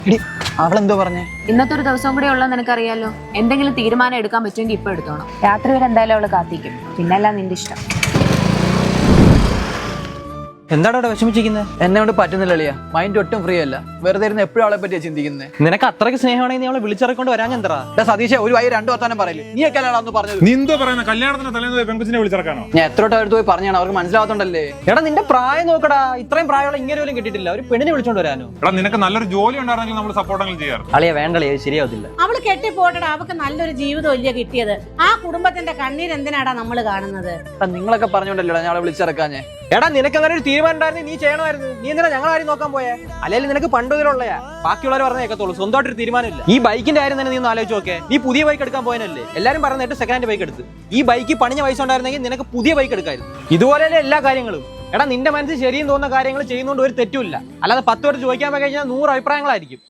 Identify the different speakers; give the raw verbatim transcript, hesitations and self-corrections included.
Speaker 1: അവളെന്തോ പറഞ്ഞേ?
Speaker 2: ഇന്നത്തെ ഒരു ദിവസം കൂടെ ഉള്ളത് നിനക്കറിയാലോ. എന്തെങ്കിലും തീരുമാനം എടുക്കാൻ പറ്റുമെങ്കിൽ ഇപ്പൊ എടുത്തോണം. രാത്രി വരെ എന്തായാലും അവള് കാത്തിക്കും. പിന്നെല്ലാം നിന്റെ ഇഷ്ടം.
Speaker 1: എന്താണ് അവിടെ വിഷമിച്ചിരിക്കുന്നത്? എന്നെ കൊണ്ട് പറ്റുന്നില്ല അളിയാ. മൈൻഡ് ഒട്ടും ഫ്രീ അല്ല. വെറുതെ ഇരുന്ന് എപ്പോഴും അവളെ പറ്റിയാ ചിന്തിക്കുന്നത്.
Speaker 3: നിനക്ക് അത്രയ്ക്ക് സ്നേഹമാണെങ്കിൽ നീ അവളെ വിളിച്ചിറക്കൊണ്ട് വരാൻ എന്താ?
Speaker 1: സതീശ ഒരു വൈ രണ്ടു വർത്താനം പറയില്ല. നീ ഒക്കെ അല്ലാന്ന് പറഞ്ഞത്.
Speaker 4: നീ എന്തോ പറയുന്നത്? കല്യാണത്തിന് തലേന്ന് പെൺകുച്ചിനെ വിളിച്ചിറക്കാനോ?
Speaker 1: ഞാൻ എത്രോട്ട് അടുത്ത് പോയി പറഞ്ഞാണ്, അവർക്ക് മനസ്സിലാവാത്തോണ്ടല്ലേ.
Speaker 3: എടാ നിന്റെ പ്രായം നോക്കടാ, ഇത്രയും പ്രായമുള്ള ഇങ്ങനെ പോലും കിട്ടിയിട്ടില്ല. ഒരു പെണ്ണിനെ വിളിച്ചോണ്ട് വരാനോ?
Speaker 4: എടാ നിനക്ക് നല്ലൊരു ജോലി ഉണ്ടായിരുന്നെങ്കിൽ നമ്മൾ സപ്പോർട്ടെങ്കിലും ചെയ്യാറ്.
Speaker 3: അളിയ വേണ്ടളിയ, ശരിയാവത്തില്ല.
Speaker 5: അവള് കെട്ടിപ്പോട്ടടാ, അവക്ക് നല്ലൊരു ജീവിതം ഇല്ല കിട്ടിയത്. ആ കുടുംബത്തിന്റെ കണ്ണീര് എന്തിനാടാ നമ്മള് കാണുന്നത്?
Speaker 1: നിങ്ങളൊക്കെ പറഞ്ഞോണ്ടല്ലോ ഞാൻ അവളെ വിളിച്ചിറക്കാഞ്ഞേ.
Speaker 3: എടാ നിനക്ക് അങ്ങനെ ഒരു തീരുമാനം ഉണ്ടായിരുന്നു, നീ ചെയ്യണമായിരുന്നു. നീ എന്തിനാ ഞങ്ങളെ കാര്യം നോക്കാൻ പോയേ? അല്ലെങ്കിൽ നിനക്ക് പണ്ട് ഇതിലുള്ളയാ. ബാക്കിയുള്ളവർ പറഞ്ഞ കേൾക്കത്തുള്ളൂ, സ്വന്തമായിട്ടൊരു തീരുമാനമില്ല. ഈ ബൈക്കിന്റെ കാര്യം തന്നെ നീ ഒന്ന് ആലോചിച്ച് നോക്കേ. നീ പുതിയ ബൈക്ക് എടുക്കാൻ പോയനല്ലേ? എല്ലാരും പറഞ്ഞിട്ട് സെക്കൻഡ് ഹാൻഡ് ബൈക്ക് എടുത്ത്. ഈ ബൈക്ക് പണിഞ്ഞ പൈസ ഉണ്ടായിരുന്നെങ്കിൽ നിനക്ക് പുതിയ ബൈക്ക് എടുക്കായിരുന്നു. ഇതുപോലെയല്ലേ എല്ലാ കാര്യങ്ങളും. എടാ നിന്റെ മനസ്സിൽ ശരിയും തോന്നുന്ന കാര്യങ്ങൾ ചെയ്യുന്നതുകൊണ്ട് ഒരു തെറ്റുമില്ല. അല്ലാതെ പത്ത് പേര് ചോദിക്കാൻ പോയി കഴിഞ്ഞാൽ നൂറ് അഭിപ്രായങ്ങളായിരിക്കും.